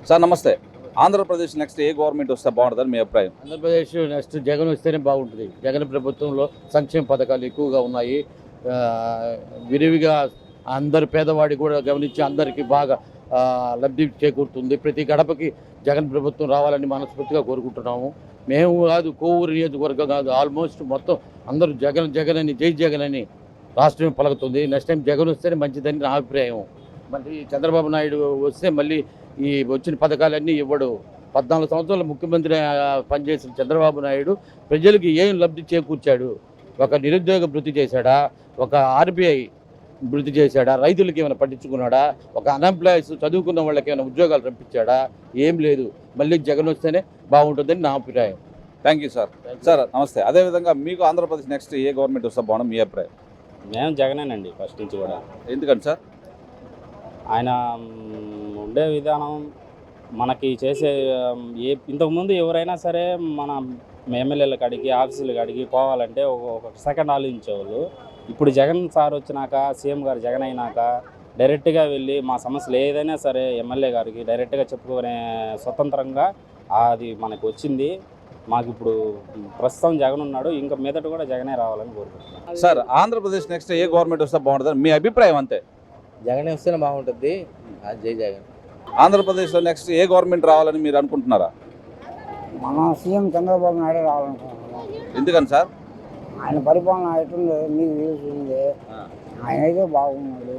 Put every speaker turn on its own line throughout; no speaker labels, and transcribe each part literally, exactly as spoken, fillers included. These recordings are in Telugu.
సార్ నమస్తే. ఆంధ్రప్రదేశ్ నెక్స్ట్ ఏ గవర్నమెంట్ వస్తే బాగుంటుందని మీ అభిప్రాయం?
ఆంధ్రప్రదేశ్ నెక్స్ట్ జగన్ వస్తేనే బాగుంటుంది. జగన్ ప్రభుత్వంలో సంక్షేమ పథకాలు ఎక్కువగా ఉన్నాయి. విరివిగా అందరి పేదవాడి కూడా గమనించి అందరికీ బాగా లబ్ధి చేకూరుతుంది. ప్రతి గడపకి జగన్ ప్రభుత్వం రావాలని మనస్ఫూర్తిగా కోరుకుంటున్నాము. మేము కాదు, కోవూరు నియోజకవర్గం కాదు, ఆల్మోస్ట్ మొత్తం అందరూ జగన్ జగన్ అని జై జగన్ అని రాష్ట్రం పలుకుతుంది. నెక్స్ట్ టైం జగన్ వస్తేనే మంచిదని నా అభిప్రాయం. మళ్ళీ చంద్రబాబు నాయుడు వస్తే మళ్ళీ ఈ వచ్చిన పథకాలన్నీ ఇవ్వడు. పద్నాలుగు సంవత్సరాలు ముఖ్యమంత్రి పనిచేసిన చంద్రబాబు నాయుడు ప్రజలకి ఏం లబ్ధి చేకూర్చాడు? ఒక నిరుద్యోగ భృతి చేశాడా? ఒక ఆర్బీఐ భృతి చేశాడా? రైతులకి ఏమైనా పట్టించుకున్నాడా? ఒక అన్ఎంప్లాయీస్ చదువుకున్న వాళ్ళకి ఏమైనా ఉద్యోగాలు రప్పించాడా? ఏం లేదు. మళ్ళీ జగన్ వస్తేనే బాగుంటుందని నా అభిప్రాయం.
Thank you sir. సార్ నమస్తే. అదేవిధంగా మీకు ఆంధ్రప్రదేశ్ నెక్స్ట్ ఏ గవర్నమెంట్ వస్తే బాగుంటుంది మీ అభిప్రాయం?
మేము జగనేనండి ఫస్ట్ నుంచి కూడా.
ఎందుకండి సార్?
ఆయన ఉండే విధానం మనకి చేసే ఏ ఇంతకుముందు ఎవరైనా సరే మన ఎమ్మెల్యేల కాడికి ఆఫీసుల కాడికి పోవాలంటే ఒక సెకండ్ ఆలోచించేవాళ్ళు. ఇప్పుడు జగన్ సార్ వచ్చినాక, సీఎం గారు జగన్ అయినాక డైరెక్ట్గా వెళ్ళి మా సమస్యలు ఏదైనా సరే ఎమ్మెల్యే గారికి డైరెక్ట్గా చెప్పుకునే స్వతంత్రంగా అది మనకు వచ్చింది. మాకు ఇప్పుడు ప్రస్తుతం జగన్ ఉన్నాడు, ఇంకా మీదట కూడా జగనే రావాలని కోరుకుంటున్నాను.
సార్ ఆంధ్రప్రదేశ్ నెక్స్ట్ ఏ గవర్నమెంట్ వస్తే బాగుంటుంది మీ అభిప్రాయం? అంతే,
జగన్ వస్తేనే బాగుంటుంది. జై జగన్.
ఆంధ్రప్రదేశ్లో నెక్స్ట్ ఏ గవర్నమెంట్ రావాలని మీరు అనుకుంటున్నారా?
మన సీఎం చంద్రబాబు నాయుడు రావాలనుకుంటున్నాం.
ఎందుకని సార్?
ఆయన పరిపాలన ఎట్లుందో మీకు తెలిసిందే. ఆయన అయితే బాగున్నాడు,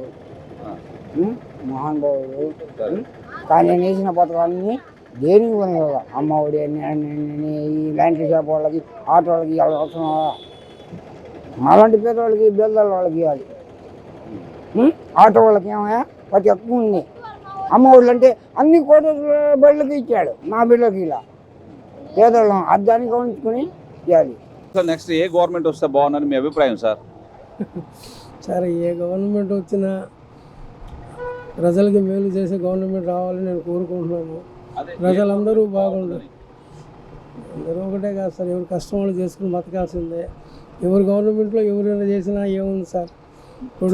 మహానుభావుడు. కానీ నేను వేసిన పథకాలన్నీ దేనికి పని కదా. అమ్మ ఒడి అని ఈ ల్యాండ్ షాప్ వాళ్ళకి, ఆటో వాళ్ళకి ఇవ్వాలి అవసరం. అలాంటి పేదవాళ్ళకి, బేదల వాళ్ళకి ఇవ్వాలి. ఆటో వాళ్ళకి ఏమయ్యా ప్రతి ఎక్కువ ఉంది. అమ్మ ఒళ్ళు అంటే అన్ని కోట బిడ్డలకి ఇచ్చాడు, నా బిడ్డలకి ఇలా పేదవాళ్ళం అద్దాన్ని గమనించుకొని ఇవ్వాలి.
సార్ నెక్స్ట్ ఏ గవర్నమెంట్ వస్తే బాగుందని మీ అభిప్రాయం సార్?
సరే, ఏ గవర్నమెంట్ వచ్చినా ప్రజలకి మేలు చేసే గవర్నమెంట్ రావాలని నేను కోరుకుంటున్నాను. ప్రజలందరూ బాగుండాలి. అందరూ ఒకటే కాదు సార్, ఎవరు కష్టం వాళ్ళు చేసుకుని బతకాల్సిందే. ఎవరు గవర్నమెంట్లో ఎవరైనా చేసినా ఏముంది సార్? ఇప్పుడు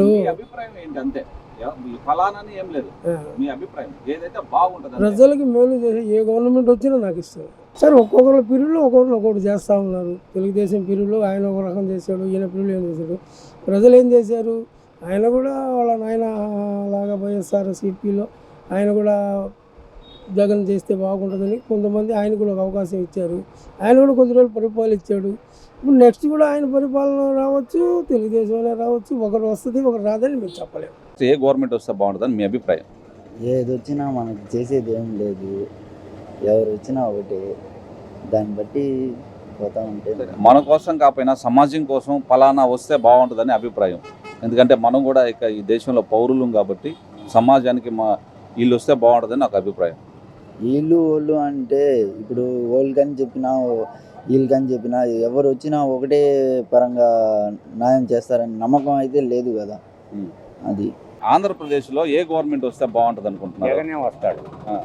ప్రజలకి మేలు చేసి ఏ గవర్నమెంట్ వచ్చినా నాకు ఇస్తారు సార్. ఒక్కొక్కరు పీరియడ్లో ఒక్కొక్కరు ఒక్కొక్కటి చేస్తూ ఉన్నారు. తెలుగుదేశం పీరియడ్లో ఆయన ఒక రకం చేశాడు, ఈయన పీరియడ్లో ఏం చేశాడు. ప్రజలు ఏం చేశారు? ఆయన కూడా వాళ్ళ నాయన లాగా వైఎస్ఆర్ సిపిలో ఆయన కూడా జగన్ చేస్తే బాగుంటుందని కొంతమంది ఆయన కూడా ఒక అవకాశం ఇచ్చారు. ఆయన కూడా కొద్ది రోజులు పరిపాలించాడు. ఇప్పుడు నెక్స్ట్ కూడా ఆయన పరిపాలన రావచ్చు, తెలుగుదేశం రావచ్చు. ఒకరు వస్తుంది, ఒకరు రాదని మేము చెప్పలేము.
ఏ గవర్నమెంట్ వస్తే బాగుంటుందని మీ అభిప్రాయం?
ఏది వచ్చినా మనకి చేసేది ఏం లేదు, ఎవరు వచ్చినా ఒకటి, దాన్ని బట్టి పోతా ఉంటే.
మన కోసం కాకపోయినా సమాజం కోసం ఫలానా వస్తే బాగుంటుందని అభిప్రాయం. ఎందుకంటే మనం కూడా ఇక ఈ దేశంలో పౌరులం కాబట్టి సమాజానికి మా వీళ్ళు వస్తే బాగుంటుందని నాకు అభిప్రాయం.
వీళ్ళు వాళ్ళు అంటే ఇప్పుడు వాళ్ళకని చెప్పినా వీళ్ళకని చెప్పినా ఎవరు వచ్చినా ఒకటే పరంగా న్యాయం చేస్తారని నమ్మకం అయితే లేదు కదా. అది
ఆంధ్రప్రదేశ్లో ఏ గవర్నమెంట్ వస్తే బాగుంటుంది అనుకుంటున్నారు?
జగనే వస్తాడు.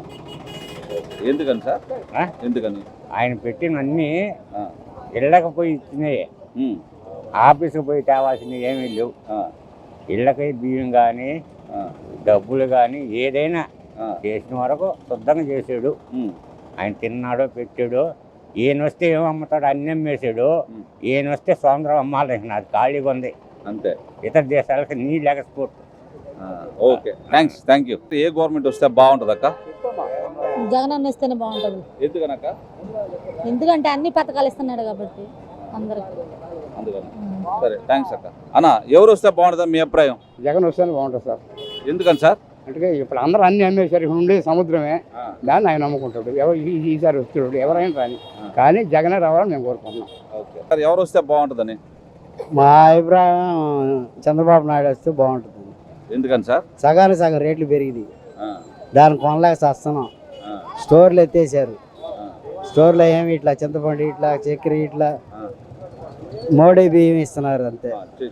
ఎందుకని సార్? ఎందుకని?
ఆయన పెట్టినన్నీ ఇళ్ళకి పోయి ఇచ్చినాయే, ఆఫీస్కి పోయి తేవాల్సినవి ఏమీ లేవు. ఇళ్ళకి బియ్యం కానీ డబ్బులు కానీ ఏదైనా చేసిన వరకు శుద్ధంగా చేసాడు. ఆయన తిన్నాడో పెట్టాడు. ఈయన వస్తే ఏం అమ్ముతాడు? అన్ని అమ్మేసాడు. ఈయన వస్తే స్వాతంత్రం అమ్మాలి, అది ఖాళీగా ఉంది
అంతే.
ఇతర దేశాలకి నీళ్ళు export.
Okay, thanks, thank you. ఏ గవర్నమెంట్ వస్తే బాగుంటుంది అక్క?
జగన్ అన్న ఇస్తేనే బాగుంటుంది.
ఎందుకనక్క?
ఎందుకంటే అన్ని పథకాలు ఇస్తున్నాడు కాబట్టి అందరికి.
అందుకని. సరే, థ్యాంక్స్ అక్క. అన్న, ఎవరు వస్తే బాగుంటుంది మీ అభిప్రాయం?
జగన్ వస్తేనే బాగుంటుంది సార్.
ఎందుకని సార్?
అంటే ఇప్పుడు అందరూ అన్ని అమ్మేశారు. ఇప్పుడు ఉండే సముద్రమే, దాన్ని ఆయన నమ్ముకుంటాడు. ఎవరు ఈసారి వస్తున్నాడు, ఎవరైనా రాని, కానీ జగనే రావాలని మేము కోరుకుంటున్నాం.
ఓకే సార్, ఎవరు వస్తే బాగుంటుందని?
మా అభిప్రాయం చంద్రబాబు నాయుడు వస్తే బాగుంటుంది.
ఎందుకని సార్?
సగానికి సగం రేట్లు పెరిగింది, దాన్ని కొనలేక వస్తున్నాం. స్టోర్లు ఎత్తేసారు. స్టోర్లో ఏమి ఇట్లా చింతపండు ఇట్లా చక్కెర ఇట్లా మోడీ బియ్యం ఇస్తున్నారు. అంతే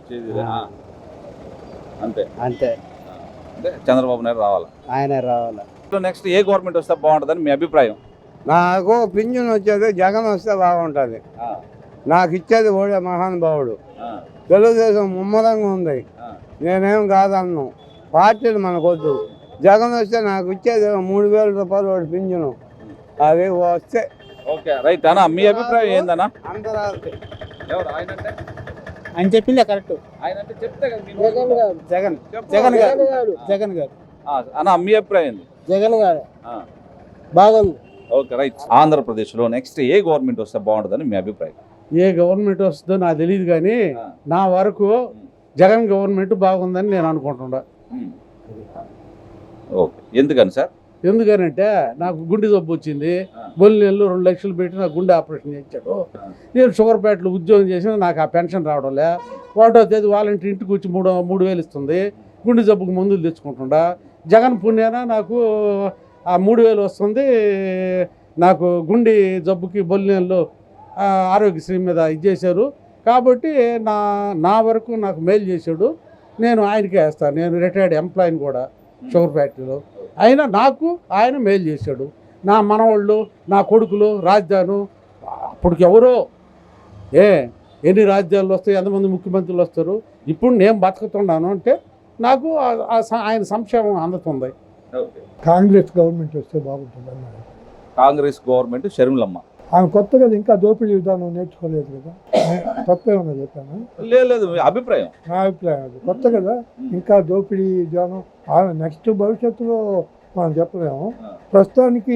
అంతే
అంతే
చంద్రబాబు నాయుడు రావాలి,
ఆయన రావాలి.
నెక్స్ట్ ఏ గవర్నమెంట్ వస్తే బాగుంటుందని మీ అభిప్రాయం?
నాకు పింఛన్ వచ్చేది జగన్ వస్తే బాగుంటుంది. నాకు ఇచ్చేది ఓడే మహానుభావుడు. తెలుగుదేశం ముమ్మరంగా ఉంది, నేనేం కాదన్ను. పార్టీలు మనకొద్దు,
జగన్ వస్తే నాకు వచ్చేది మూడు వేల రూపాయలు వాడు పింఛను అవి వస్తే
ఓకే రైట్ అన్న, మీ అభిప్రాయం ఏందన్నా?
అందరూ
ఎవరు ఆయన అంటే?
ఆయన చెప్పిందే కరెక్ట్.
ఆయన అంటే చెప్తే కదా మీరు
జగన్ గారు జగన్
చెప్పు.
జగన్ గారు జగన్ గారు
ఆ, అన్న మీ అభిప్రాయం ఏంది?
జగన్ గారు
ఆ,
బాగుంది.
Okay right. ఆంధ్రప్రదేశ్లో నెక్స్ట్ ఏ గవర్నమెంట్ వస్తే బాగుంటుందని మీ అభిప్రాయం?
ఏ గవర్నమెంట్ వస్తుందో నాకు తెలియదు కానీ
ఆ.
నా వరకు జగన్ గవర్నమెంట్ బాగుందని నేను అనుకుంటున్నా.
ఉమ్. ఓకే, ఎందుకని సార్?
ఎందుకనంటే నాకు గుండె జబ్బు వచ్చింది,
ఆ.
బొల్లిలో రెండు లక్షలు పెట్టి నాకు గుండె ఆపరేషన్ చేయించాడు. నేను షుగర్పేటలో ఉద్యోగం చేసిన నాకు ఆ పెన్షన్ రావడం లే. ఒకటో తేదీ వాలంటీర్ ఇంటికి వచ్చి మూడు మూడు వేలు ఇస్తుంది. గుండె జబ్బుకు మందులు తెచ్చుకుంటుండా. జగన్ పుణ్యాన నాకు ఆ మూడు వేలు వస్తుంది. నాకు గుండె జబ్బుకి బొల్లిలో ఆరోగ్యశ్రీ మీద ఇచ్చేశారు కాబట్టి నా నా వరకు నాకు మేలు చేశాడు. నేను ఆయనకే వేస్తాను. నేను రిటైర్డ్ ఎంప్లాయీని కూడా షుగర్ ఫ్యాక్టరీలో. అయినా నాకు ఆయన మేలు చేశాడు. నా మనవాళ్ళు, నా కొడుకులు రాజధాను అప్పటికి ఎవరో ఏ ఎన్ని రాజ్యాలు వస్తాయి, ఎంతమంది ముఖ్యమంత్రులు వస్తారు. ఇప్పుడు నేను బతుకుతున్నాను అంటే నాకు ఆ- ఆ స- ఆయన సంక్షేమం అందుతుంది.
ఓకే.
కాంగ్రెస్ గవర్నమెంట్ వస్తే బాగుంటుంది అన్నారు.
కాంగ్రెస్ గవర్నమెంట్ షర్మిలమ్మ.
ఆమె కొత్తగా ఇంకా దోపిడీ విధానం నేర్చుకోలేదు కదా, తప్పేమన్నా చెప్పాను.
లేదు లేదు, మీ అభిప్రాయం?
నా అభిప్రాయం అది కొత్త కదా, ఇంకా దోపిడీ విధానం ఆమె నెక్స్ట్ భవిష్యత్తులో మనం చెప్పలేము. ప్రస్తుతానికి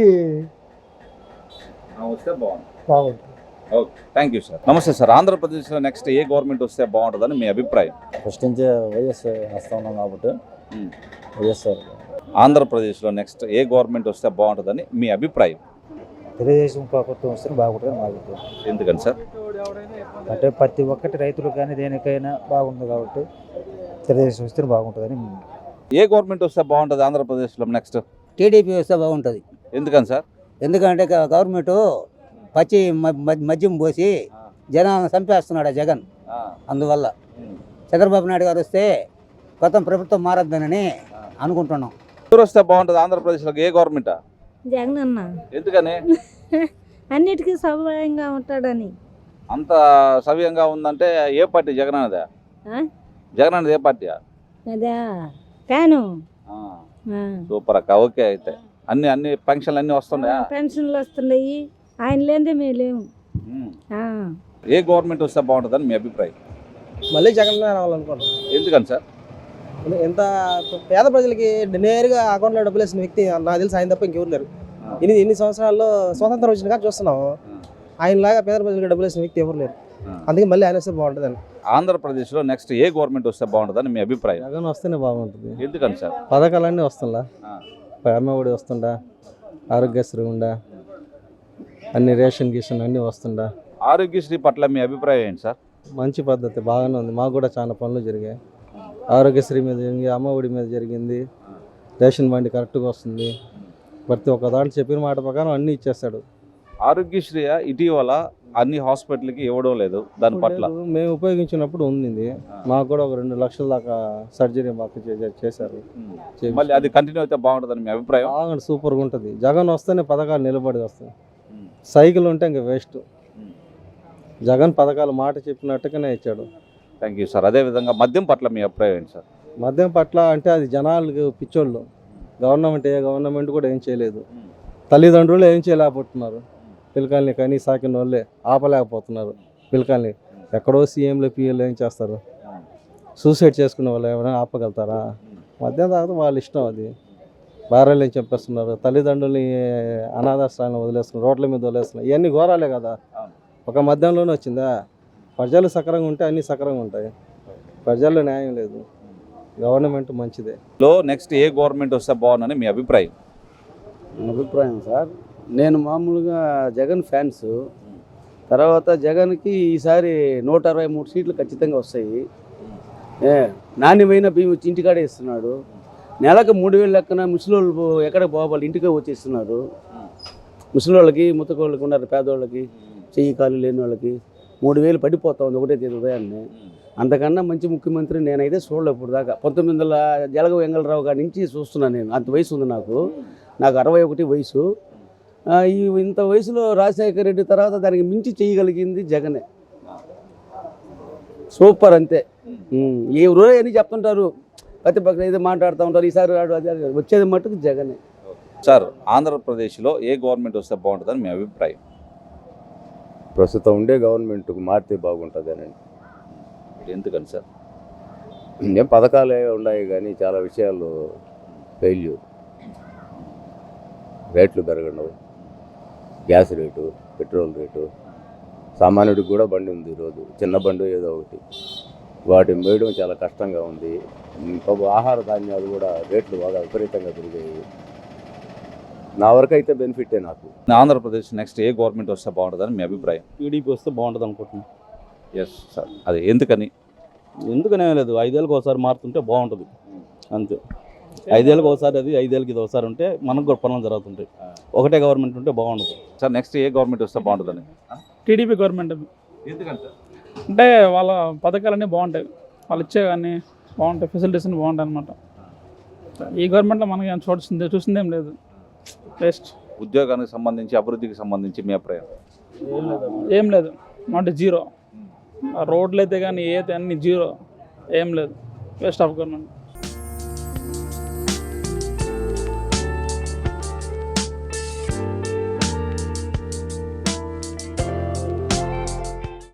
వస్తే బాగుంది.
బాగుంటుంది.
Okay, thank you sir. నమస్తే సార్. ఆంధ్రప్రదేశ్లో నెక్స్ట్ ఏ గవర్నమెంట్ వస్తే బాగుంటుందని మీ అభిప్రాయం?
ఫస్ట్ నుంచే వైఎస్ వస్తూ ఉన్నాం కాబట్టి
ఉమ్.
వైఎస్ఆర్
ఆంధ్రప్రదేశ్లో నెక్స్ట్ ఏ గవర్నమెంట్ వస్తే బాగుంటుందని మీ అభిప్రాయం?
తెలుగుదేశం ప్రభుత్వం వస్తే బాగుంటుంది మా అభిప్రాయం.
ఎందుకని సార్?
అంటే ప్రతి ఒక్కటి రైతులకు కానీ దేనికైనా బాగుంది కాబట్టి తెలుగుదేశం వస్తే బాగుంటుందని.
ఏ గవర్నమెంట్ వస్తే బాగుంటుంది ఆంధ్రప్రదేశ్లో నెక్స్ట్?
టీడీపీ వస్తే బాగుంటుంది.
ఎందుకని సార్?
ఎందుకంటే గ- గవర్నమెంట్ పచ్చి మ- మ- మద్యం పోసి జనాలను చంపేస్తున్నాడు ఆ జగన్.
ఆ,
అందువల్ల
ఉమ్.
చంద్రబాబు నాయుడు గారు వస్తే కొత్త ప్రభుత్వం మారద్దని అనుకుంటున్నాం.
ఎవరు వస్తే బాగుంటుంది ఆంధ్రప్రదేశ్లో? ఏ గవర్నమెంటా?
జగన్ అన్న
ఎందుకని?
అన్నిటికీ సౌకర్యంగా ఉంటాడని.
అంత సవ్యంగా ఉందంటే ఏ పార్టీ? జగన్ అన్నదా?
ఆ?
జగన్ అన్నది ఏ పార్టీ?
అదా ఫ్యాను. ఆ.
సూపర్ అక్క. ఓకే, అయితే అన్ని అన్ని ఫంక్షన్లు అన్ని వస్తున్నాయా?
పెన్షన్లు వస్తున్నాయి. ఆయన లేదే మేము లేము.
ఉమ్.
ఆ.
ఏ గవర్నమెంట్ వస్తే బాగుంటుందని మీ అభిప్రాయం?
మళ్ళీ జగన్ రావాలనుకుంటున్నాం.
ఎందుకని సార్?
ఎంత పేద ప్రజలకి నేరుగా అకౌంట్లో డబ్బులు వేసిన వ్యక్తి నాకు తెలిసి ఆయన తప్ప ఇంకెవరు లేరు. ఎన్ని ఎన్ని సంవత్సరాల్లో స్వతంత్రం వచ్చిన కానీ చూస్తున్నాం. ఆయనలాగా పేద ప్రజలకు డబ్బులు వేసిన వ్యక్తి ఎవరు లేరు. అందుకే మళ్ళీ ఆయన వస్తే బాగుంటుంది.
ఆంధ్రప్రదేశ్లో నెక్స్ట్ ఏ గవర్నమెంట్ వస్తే బాగుంటుందని మీ అభిప్రాయం?
జగన్ వస్తేనే బాగుంటుంది.
ఎందుకని సార్?
పథకాలన్నీ వస్తుందా,
ఆ.
అమ్మఒడి వస్తుందా, ఆరోగ్యశ్రీ ఉందా, అన్ని రేషన్ గిషన్ అన్నీ వస్తుందా.
ఆరోగ్యశ్రీ పట్ల మీ అభిప్రాయం ఏంటి సార్?
మంచి పద్ధతి బాగానే ఉంది. మాకు కూడా చాలా పనులు జరిగాయి. ఆరోగ్యశ్రీ మీద జరిగింది, అమ్మఒడి మీద జరిగింది, రేషన్ బండి కరెక్ట్గా వస్తుంది. ప్రతి ఒక్క దాంట్లో చెప్పిన మాట ప్రకారం అన్నీ ఇచ్చేస్తాడు.
ఆరోగ్యశ్రీ ఇటీవల అన్ని హాస్పిటల్కి ఇవ్వడం లేదు, దాని పట్ల
మేము ఉపయోగించినప్పుడు ఉంది. మాకు కూడా ఒక రెండు లక్షల దాకా సర్జరీ మాకు చే- చేశారు.
మళ్ళీ అది కంటిన్యూ అయితే బాగుంటుందని మీ అభిప్రాయం?
బాగా సూపర్గా ఉంటుంది. జగన్ వస్తేనే పథకాలు నిలబడి వస్తాయి. సైకిల్ ఉంటే ఇంకా వేస్ట్. జగన్ పథకాలు మాట చెప్పినట్టుగానే ఇచ్చాడు.
Thank you sir. అదేవిధంగా మద్యం పట్ల మీ అభిప్రాయం ఏంటి సార్?
మద్యం పట్ల అంటే అది జనాలకు పిచ్చోళ్ళు. గవర్నమెంట్ ఏ గవర్నమెంట్ కూడా ఏం చేయలేదు. తల్లిదండ్రులు ఏం చేయలేకపోతున్నారు. పిల్లకాయల్ని కానీ సాకిన వాళ్ళే ఆపలేకపోతున్నారు. పిల్లకాయల్ని ఎక్కడో సీఎంలు పిఎల్ ఏం చేస్తారు? సూసైడ్ చేసుకునే వాళ్ళు ఏమైనా ఆపగలుగుతారా? మద్యం తాగితే వాళ్ళ ఇష్టం. అది భార్యలు ఏం చెప్పేస్తున్నారు, తల్లిదండ్రుల్ని అనాథాశ్రయాలను వదిలేస్తున్నారు, రోడ్ల మీద వదిలేస్తున్నారు. ఇవన్నీ ఘోరాలే కదా. ఒక మద్యంలోనే వచ్చిందా? ప్రజలు సక్రంగా ఉంటే అన్నీ సక్రంగా ఉంటాయి. ప్రజల్లో న్యాయం లేదు. గవర్నమెంట్ మంచిదే.
లో నెక్స్ట్ ఏ గవర్నమెంట్ వస్తే బాగుందని మీ అభిప్రాయం?
అభిప్రాయం సార్, నేను మామూలుగా జగన్ ఫ్యాన్స్. తర్వాత జగన్కి ఈసారి నూట అరవై మూడు సీట్లు ఖచ్చితంగా వస్తాయి. ఏ నాణ్యమైన బియ్యం వచ్చి ఇంటికాడే ఇస్తున్నాడు. నెలకు మూడు వేలు లెక్కన ముసలోళ్ళు ఎక్కడ పోవాలి ఇంటికే వచ్చేస్తున్నారు. ముసలోళ్ళకి ముత్తకోళ్ళకి ఉన్నారు, పేదోళ్ళకి చెయ్యి కాలు లేని వాళ్ళకి మూడు వేలు పడిపోతా ఉంది ఒకటే తేదీ ఉదయాన్నే. అంతకన్నా మంచి ముఖ్యమంత్రి నేనైతే చూడలే ఇప్పుడు దాకా. పంతొమ్మిది వందల జలగ వెంగళరావు గారి నుంచి చూస్తున్నాను నేను. అంత వయసు ఉంది నాకు. నాకు అరవై ఒకటి వయసు. ఈ ఇంత వయసులో రాజశేఖర రెడ్డి తర్వాత దానికి మించి చేయగలిగింది జగనే. సూపర్ అంతే. ఏ రోజు అని చెప్తుంటారు ప్రతిపక్షం ఏదో మాట్లాడుతూ ఉంటారు, ఈసారి రాడు అది అది. వచ్చేది మట్టుకు జగనే.
సార్, ఆంధ్రప్రదేశ్లో ఏ గవర్నమెంట్ వస్తే బాగుంటుందని మీ అభిప్రాయం?
ప్రస్తుతం ఉండే గవర్నమెంట్కు మారితే బాగుంటుంది అని.
ఎందుకని సార్?
ఏం పథకాలే ఉన్నాయి కానీ చాలా విషయాలు ఫెయిల్యూర్. రేట్లు పెరగడం, గ్యాస్ రేటు, పెట్రోల్ రేటు, సామాన్యుడికి కూడా బండి ఉంది ఈరోజు, చిన్న బండి ఏదో ఒకటి, వాటిని వేయడం చాలా కష్టంగా ఉంది. ఇంకొక ఆహార ధాన్యాలు కూడా రేట్లు బాగా విపరీతంగా పెరిగాయి. నా వరకు అయితే బెనిఫిటే నాకు.
ఆంధ్రప్రదేశ్ నెక్స్ట్ ఏ గవర్నమెంట్ వస్తే బాగుంటుందని మీ అభిప్రాయం?
టీడీపీ వస్తే బాగుంటుంది అనుకుంటున్నాను.
ఎస్ సార్, అది ఎందుకని?
ఎందుకనే లేదు, ఐదేళ్ళకి ఒకసారి మారుతుంటే బాగుంటుంది అంతే. ఐదేళ్ళకి ఒకసారి అది, ఐదేళ్ళకి ఇది ఒకసారి ఉంటే మనకు కూడా పనులు జరుగుతుంటాయి. ఒకటే గవర్నమెంట్ ఉంటే బాగుంటుంది.
సార్, నెక్స్ట్ ఏ గవర్నమెంట్ వస్తే బాగుంటుందని?
TDP government.
ఎందుకంటే
అంటే వాళ్ళ పథకాలన్నీ బాగుంటాయి, వాళ్ళు ఇచ్చే కానీ బాగుంటాయి, ఫెసిలిటీస్ అన్నీ బాగుంటాయి అనమాట. ఈ గవర్నమెంట్లో మనకి ఏం చూసింది చూసిందేం లేదు, వేస్ట్.
ఉద్యోగానికి సంబంధించి, అభివృద్ధికి సంబంధించి మీ అభిప్రాయం?
ఏం లేదు, అంటే జీరో. రోడ్లు అయితే కానీ ఏ అయితే అన్ని జీరో, ఏం లేదు, వేస్ట్ ఆఫ్ గవర్నమెంట్.